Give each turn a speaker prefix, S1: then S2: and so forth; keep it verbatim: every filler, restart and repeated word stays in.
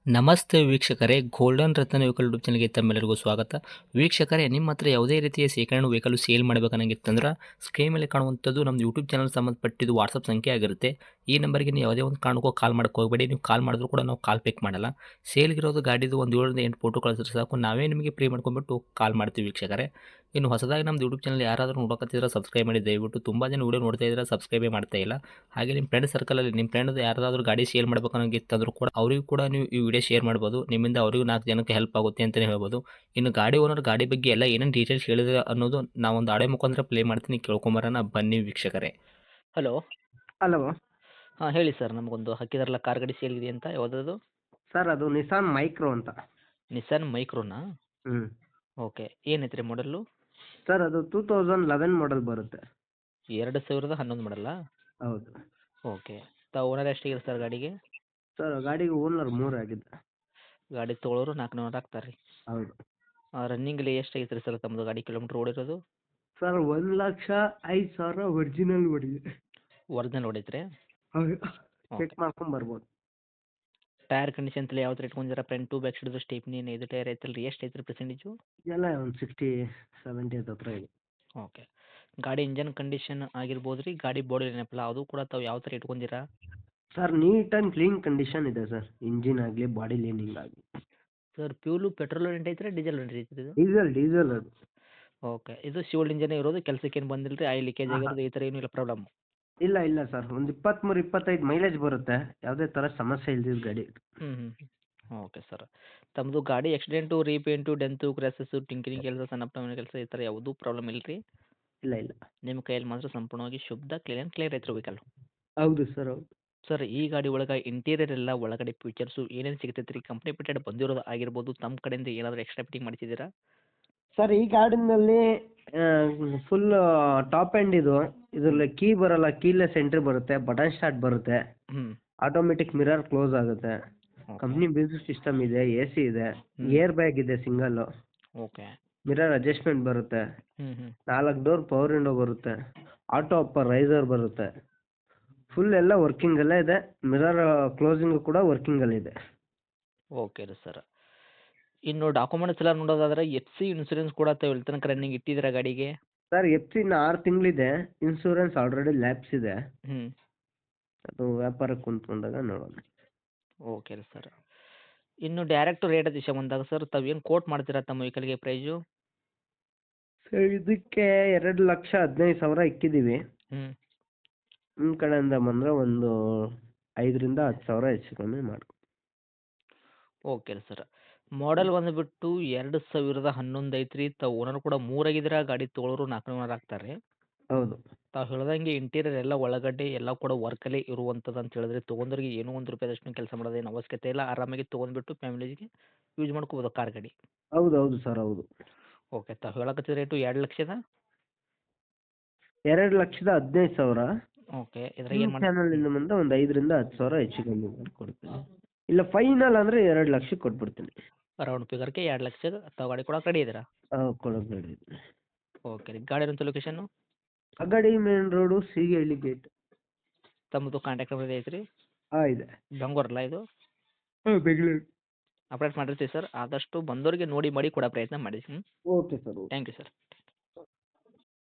S1: ನಮಸ್ತೆ ವೀಕ್ಷಕರೇ, ಗೋಲ್ಡನ್ ರತ್ನ vehicle YouTube ಚಾನಲ್ಗೆ ತಮ್ಮೆಲ್ಲರಿಗೂ ಸ್ವಾಗತ. ವೀಕ್ಷಕರೇ, ನಿಮ್ಮ ಹತ್ರ ಯಾವುದೇ ರೀತಿಯ ಶೇಖರಣೆ ವೆಹಿಕಲ್ ಸೇಲ್ ಮಾಡಬೇಕನ್ನಂಗಿತ್ತಂದ್ರೆ ಸ್ಕ್ರೀನ್ ಮೇಲೆ ಕಾಣುವಂಥದ್ದು ನಮ್ಮ ಯೂಟ್ಯೂಬ್ ಚಾನಲ್ ಸಂಬಂಧಪಟ್ಟಿದ್ದು ವಾಟ್ಸಪ್ ಸಂಖ್ಯೆ ಆಗಿರುತ್ತೆ. ಈ ನಂಬರ್ಗೆ ನೀವು ಯಾವುದೇ ಒಂದು ಕಾರಣಕ್ಕೂ ಕಾಲ್ ಮಾಡಕ್ಕೆ ಹೋಗಬೇಡಿ. ನೀವು ಕಾಲ್ ಮಾಡಿದ್ರು ಕೂಡ ನಾವು ಕಾಲ್ ಪಿಕ್ ಮಾಡಲ್ಲ. ಸೇಲ್ಗಿರೋದು ಗಾಡಿದು ಒಂದು ಏಳರಿಂದ ಎಂಟು ಫೋಟೋ ಕಳಿಸಿದ್ರೆ ಸಾಕು, ನಾವೇ ನಿಮಗೆ ಪ್ರೀ ಮಾಡ್ಕೊಂಡ್ಬಿಟ್ಟು ಕಾಲ್ ಮಾಡ್ತೀವಿ ವೀಕ್ಷಕರೇ. ಇನ್ನು ಹೊಸದಾಗಿ ನಮ್ಮದು ಯೂಟ್ಯೂಬ್ ಚಾನಲ್ ಯಾರಾದರೂ ನೋಡೋಕತ್ತಿದ್ರೆ ಸಬ್ಸ್ಕ್ರೈಬ್ ಮಾಡಿ ದಯವಿಟ್ಟು. ತುಂಬ ಜನ ವೀಡಿಯೋ ನೋಡ್ತಾ ಇದ್ದಾರೆ, ಸಬ್ಸ್ಕ್ರೈಬೇ ಮಾಡ್ತಾ ಇಲ್ಲ. ಹಾಗೆ ನಿಮ್ಮ ಫ್ರೆಂಡ್ ಸರ್ಕಲಲ್ಲಿ ನಿಮ್ಮ ಫ್ರೆಂಡ್ ಯಾರಾದರೂ ಗಾಡಿ ಸೇಲ್ ಮಾಡಬೇಕನ್ನೋಂಗಿತ್ತಂದ್ರೂ ಕೂಡ ಅವರಿಗೂ ಕೂಡ ನೀವು ಈ ವಿಡಿಯೋ ಶೇರ್ ಮಾಡ್ಬೋದು. ನಿಮ್ಮಿಂದ ಅವರಿಗೂ ನಾಲ್ಕು ಜನಕ್ಕೆ ಹೆಲ್ಪ್ ಆಗುತ್ತೆ ಅಂತಲೇ ಹೇಳ್ಬೋದು. ಇನ್ನು ಗಾಡಿ ಓನರ್ ಗಾಡಿ ಬಗ್ಗೆ ಎಲ್ಲ ಏನೇನು ಡೀಟೇಲ್ಸ್ ಹೇಳಿದ್ರೆ ಅನ್ನೋದು ನಾವೊಂದು ಆಡೆ ಮುಖಾಂತರ ಪ್ಲೇ ಮಾಡ್ತೀನಿ, ಕೇಳ್ಕೊಂಬರೋಣ ಬನ್ನಿ ವೀಕ್ಷಕರೇ. ಹಲೋ.
S2: ಹಲೋ
S1: ಹಾಂ ಹೇಳಿ ಸರ್, ನಮಗೊಂದು ಹಾಕಿದಾರಲ್ಲ ಕಾರ್ ಗಾಡಿ ಸೇಲ್ಗಿದೆ ಅಂತ, ಯಾವುದದು?
S2: ಸರ್, ಅದು ನಿಸಾನ್ ಮೈಕ್ರೋ ಅಂತ.
S1: ನಿಸಾನ್ ಮೈಕ್ರೋನಾ?
S2: ಹ್ಞೂ
S1: ಓಕೆ. ಏನೈತೆ ರೀ ಮಾಡಲ್ಲು?
S2: ಸರ್, ಅದು ಟೂ ತೌಸಂಡ್ ಲೆವೆನ್ ಮಾಡಲ್ ಬರುತ್ತೆ.
S1: ಎರಡು ಸಾವಿರದ ಹನ್ನೊಂದು ಮಾಡಲ್ಲ?
S2: ಹೌದು
S1: ಓಕೆ. ತಾವು ಓನರ್ ಎಷ್ಟಿದೆ ಸರ್ ಗಾಡಿಗೆ?
S2: ಸರ್, ಗಾಡಿಗೆ ಓನರ್ ಮೂರು ಆಗಿದೆ.
S1: ಗಾಡಿ ತೊಗೊಳೋರು ನಾಲ್ಕು ನೂರು ಆಗ್ತಾರೆ ರೀ.
S2: ಹೌದು
S1: ರನ್ನಿಂಗಲ್ಲಿ ಎಷ್ಟು ಐತೆ ರೀ ಸರ್ ತಮ್ಮದು ಗಾಡಿ ಕಿಲೋಮೀಟ್ರ್ ಓಡಿರೋದು?
S2: ಸರ್, ಒಂದು ಲಕ್ಷ ಐದು ಸಾವಿರ ಒರಿಜಿನಲ್ ಹೊಡಿದೆ.
S1: ಒರಿಜಿನಲ್ ಹೊಡೈತ್ರಿ?
S2: ಹೌದು,
S1: ಓಕೆ.
S2: ಚೆಕ್ ಮಾಡ್ಕೊಂಡು ಬರ್ಬೋದು.
S1: ಟೈರ್ ಕಂಡೀಷನ್ ತಲೆ ಯಾವ ಥರ ಇಟ್ಕೊಂಡಿರ? Front to back side stepney ಇದು ಟೈರ್ ಐತಲ್ಲ ರೀ, ಎಷ್ಟು ಐತ್ರಿ ಪರ್ಸೆಂಟೇಜು?
S2: ಎಲ್ಲ ಒಂದು ಸಿಕ್ಸ್ಟಿ ಸೆವೆಂಟಿ ಹತ್ರ ಇದೆ.
S1: ಓಕೆ. ಗಾಡಿ ಇಂಜನ್ ಕಂಡೀಷನ್ ಆಗಿರ್ಬೋದು ರೀ, ಗಾಡಿ ಬಾಡಿ ಏನಪ್ಪಲ್ಲ ಅದು ಕೂಡ ತಾವು ಯಾವ ಥರ ಇಟ್ಕೊಂಡಿರಾ?
S2: Sir, neat and clean condition ಇದೆ ಸರ್. ಇಂಜಿನ್ ಆಗಲಿ ಬಾಡಿ ಲೈನಿಂಗ್ ಆಗಲಿ.
S1: ಸರ್, ಫ್ಯೂಲು ಪೆಟ್ರೋಲ್ ರೆಂಟ್ ಐತ್ರಿ, ಡೀಸೆಲ್ ರೆಂಟ್ ಐತ್ರಿ ಇದು?
S2: ಡೀಸೆಲ್ ಡೀಸೆಲ್ ಅದು.
S1: ಓಕೆ. ಇದು ಶಿವಲ್ ಇಂಜನ್ ಇರೋದು, ಕೆಲಸಕ್ಕೆ ಏನು ಬಂದಿಲ್ಲ ರೀ, ಆಯಿಲ್ ಲೀಕೇಜ್
S2: ಹಾಂ ಹಾಂ
S1: ಆಗಿರೋದು ಈ ಥರ ಏನೂ ಇಲ್ಲ ಪ್ರಾಬ್ಲಮ್?
S2: ಇಲ್ಲ ಇಲ್ಲ ಸರ್, ಒಂದು ಇಪ್ಪತ್ತ್ಮೂರು ಇಪ್ಪತ್ತೈದು ಮೈಲೇಜ್ ಬರುತ್ತೆ. ಯಾವುದೇ ಥರ ಸಮಸ್ಯೆ ಇಲ್ದಿದ್ದ ಗಾಡಿ.
S1: ಹ್ಞೂ ಹ್ಞೂ ಹ್ಞೂ ಓಕೆ ಸರ್. ತಮ್ಮದು ಗಾಡಿ accident, repaint, dent, crashes, tinkering ಕೆಲಸ, ಸಣ್ಣ ಪುಟ್ಟ ಕೆಲಸ ಈ ಥರ ಯಾವುದೂ ಪ್ರಾಬ್ಲಮ್ ಇಲ್ಲ ರೀ?
S2: ಇಲ್ಲ ಇಲ್ಲ.
S1: ನಿಮ್ಮ ಕೈಯಲ್ಲಿ ಮಾತ್ರ ಸಂಪೂರ್ಣವಾಗಿ ಶುದ್ಧ ಕ್ಲೀನ್ ಆ್ಯಂಡ್ ಕ್ಲಿಯರ್ ಐತ್ರಿ ವೆಹಿಕಲ್?
S2: ಹೌದು ಸರ್, ಹೌದು.
S1: ಸರ್, ಈ ಗಾಡಿ ಒಳಗೆ ಇಂಟೀರಿಯರ್ ಎಲ್ಲ ಒಳಗಡೆ ಫೀಚರ್ಸು ಏನೇನು ಸಿಗ್ತೈತೆ ರೀ? ಕಂಪ್ನಿ ಫಿಟೆಡ್ ಬಂದಿರೋದು ಆಗಿರ್ಬೋದು, ತಮ್ಮ ಕಡೆಯಿಂದ ಏನಾದರೂ ಎಕ್ಸ್ಟ್ರಾ ಫಿಟ್ಟಿಂಗ್ ಮಾಡಿಸಿದ್ದೀರಾ?
S2: ಸರ್, ಈ ಗಾಡಿನಲ್ಲಿ ಫುಲ್ ಟಾಪ್ ಎಂಡ್ ಇದು. ಇದರಲ್ಲಿ ಕೀ ಬರಲ್ಲ, ಕೀಲೆಸ್ ಎಂಟ್ರಿ ಬರುತ್ತೆ, ಬಟನ್ ಸ್ಟಾರ್ಟ್ ಬರುತ್ತೆ,
S1: ಹ್ಞೂ
S2: ಆಟೋಮೆಟಿಕ್ ಮಿರರ್ ಕ್ಲೋಸ್ ಆಗುತ್ತೆ,
S1: ಓಕೆ
S2: ಕಂಪ್ನಿ ಮ್ಯೂಸಿಕ್ ಸಿಸ್ಟಮ್ ಇದೆ, ಎ ಸಿ ಇದೆ,
S1: ಹ್ಮ್.
S2: ಏರ್ ಬ್ಯಾಗ್ ಇದೆ ಸಿಂಗಲ್ಲು,
S1: ಓಕೆ.
S2: ಮಿರರ್ ಅಡ್ಜಸ್ಟ್ಮೆಂಟ್ ಬರುತ್ತೆ,
S1: ಹ್ಞೂ ಹ್ಞೂ
S2: ನಾಲ್ಕು ಡೋರ್ ಪವರ್ ವಿಂಡೋ ಬರುತ್ತೆ, ಆಟೋ ಅಪ್ಪರ್ ರೈಸರ್ ಬರುತ್ತೆ. ಫುಲ್ ಎಲ್ಲ ವರ್ಕಿಂಗಲ್ಲೇ ಇದೆ. ಮಿರರ್ ಕ್ಲೋಸಿಂಗು ಕೂಡ ವರ್ಕಿಂಗಲ್ಲಿದೆ.
S1: ಓಕೆ ರೀ ಸರ್. ಇನ್ನು ಡಾಕ್ಯುಮೆಂಟ್ಸ್ ಎಲ್ಲ ನೋಡೋದಾದ್ರೆ ಎಫ್ ಸಿ ಇನ್ಸೂರೆನ್ಸ್ ಕೂಡ ತಾವು ಇಲ್ಲಿ ತನಕ ರನ್ನಿಂಗ್ ಇಟ್ಟಿದ್ದೀರಾ ಗಾಡಿಗೆ?
S2: ಸರ್, ಎಫ್ ಸಿ ಇನ್ನು ಆರು ತಿಂಗಳಿದೆ. ಇನ್ಸೂರೆನ್ಸ್ ಆಲ್ರೆಡಿ ಲ್ಯಾಪ್ಸ್ ಇದೆ.
S1: ಹ್ಞೂ
S2: ಅದು ವ್ಯಾಪಾರಕ್ಕೆ ಕುಂತ್ಕೊಂಡಾಗ ನೋಡೋಣ.
S1: ಓಕೆ ರೀ ಸರ್. ಇನ್ನು ಡೈರೆಕ್ಟ್ ರೇಟ್ ವಿಷಯ ಬಂದಾಗ ಸರ್, ತಾವು ಏನು ಕೋಟ್ ಮಾಡ್ತೀರಾ ತಮ್ಮ ವೆಹಿಕಲ್ಗೆ ಪ್ರೈಸು?
S2: ಸರ್, ಇದಕ್ಕೆ ಎರಡು ಲಕ್ಷ ಹದಿನೈದು ಸಾವಿರ ಇಕ್ಕಿದ್ದೀವಿ.
S1: ಹ್ಞೂ
S2: ನಿಮ್ಮ ಕಡೆಯಿಂದ ಬಂದರೆ ಒಂದು ಐದರಿಂದ ಹತ್ತು ಸಾವಿರ ಹೆಚ್ಚು ಕಮ್ಮಿ ಮಾಡ್ಕೊ.
S1: ಓಕೆ ರೀ ಸರ್. ಮಾಡೆಲ್ ಬಂದುಬಿಟ್ಟು ಎರಡು ಸಾವಿರದ ಹನ್ನೊಂದು ಐತ್ರಿ. ತಾವು ಓನರ್ ಕೂಡ ಮೂರಾಗಿದ್ದೀರಾ, ಗಾಡಿ ತೊಗೊಳೋರು ನಾಲ್ಕು ನೂರು ಆಗ್ತಾರೆ.
S2: ಹೌದು
S1: ತಾವು ಹೇಳ್ದಂಗೆ ಇಂಟೀರಿಯರ್ ಎಲ್ಲ ಒಳಗಡೆ ಎಲ್ಲ ಕೂಡ ವರ್ಕಲ್ಲೇ ಇರುವಂಥದ್ದು ಅಂತ ಹೇಳಿದ್ರೆ ತೊಗೊಂಡ್ರಿಗೆ ಏನೋ ಒಂದು ರೂಪಾಯಿದಷ್ಟು ಕೆಲಸ ಮಾಡೋದೇನು ಅವಶ್ಯಕತೆ ಇಲ್ಲ. ಆರಾಮಾಗಿ ತೊಗೊಂಡ್ಬಿಟ್ಟು ಫ್ಯಾಮಿಲಿಗೆ ಯೂಸ್ ಮಾಡ್ಕೋಬೋದು ಕಾರ್ ಗಾಡಿ.
S2: ಹೌದು ಹೌದು ಸರ್, ಹೌದು.
S1: ಓಕೆ. ತಾವು ಹೇಳಕತ್ತಿದ ರೇಟು ಎರಡು ಲಕ್ಷದ
S2: ಎರಡು ಲಕ್ಷದ ಹದಿನೈದು ಸಾವಿರ.
S1: ಓಕೆ. ಇದ್ರಾಗ
S2: ನಿಮ್ಮ
S1: ಏನು ಮಾಡಿ
S2: ಚಾನಲಿಂದ ಬಂದರೆ ಒಂದು ಐದರಿಂದ ಹತ್ತು ಸಾವಿರ ಹೆಚ್ಚು ಕಮ್ಮಿ ಮಾಡಿಕೊಡ್ತೀನಿ. ಇಲ್ಲ, ಫೈನಲ್ ಅಂದರೆ ಎರಡು ಲಕ್ಷಕ್ಕೆ ಕೊಟ್ಬಿಡ್ತೀನಿ.
S1: ರೌಂಡ್ ಫಿಗರ್ಗೆ ಎರಡು ಲಕ್ಷದ ತಾವು ಗಾಡಿ ಕೊಡೋಕೆ ರೆಡಿ ಇದ್ದೀರಾ?
S2: ಹಾಂ, ಕೊಡೋದು.
S1: ಓಕೆ ರೀ. ಗಾಡಿ ಇರೋಂಥ location?
S2: Agadi main road, Seegahalli gate.
S1: ತಮ್ಮದು ಕಾಂಟ್ಯಾಕ್ಟ್ ನಂಬರ್ ಐತ್ರಿ?
S2: ಹಾಂ, ಇದೆ.
S1: ಬೆಂಗಳೂರಲ್ಲ ಇದು?
S2: ಹಾಂ, ಬೆಂಗಳೂರು.
S1: ಅಪ್ಡೇಟ್ ಮಾಡಿರ್ತೀವಿ ಸರ್. ಆದಷ್ಟು ಬಂದವರಿಗೆ ನೋಡಿ ಮಾಡಿ ಕೊಡೋ ಪ್ರಯತ್ನ ಮಾಡಿ. ಹ್ಞೂ
S2: okay sir, okay.
S1: Thank you sir.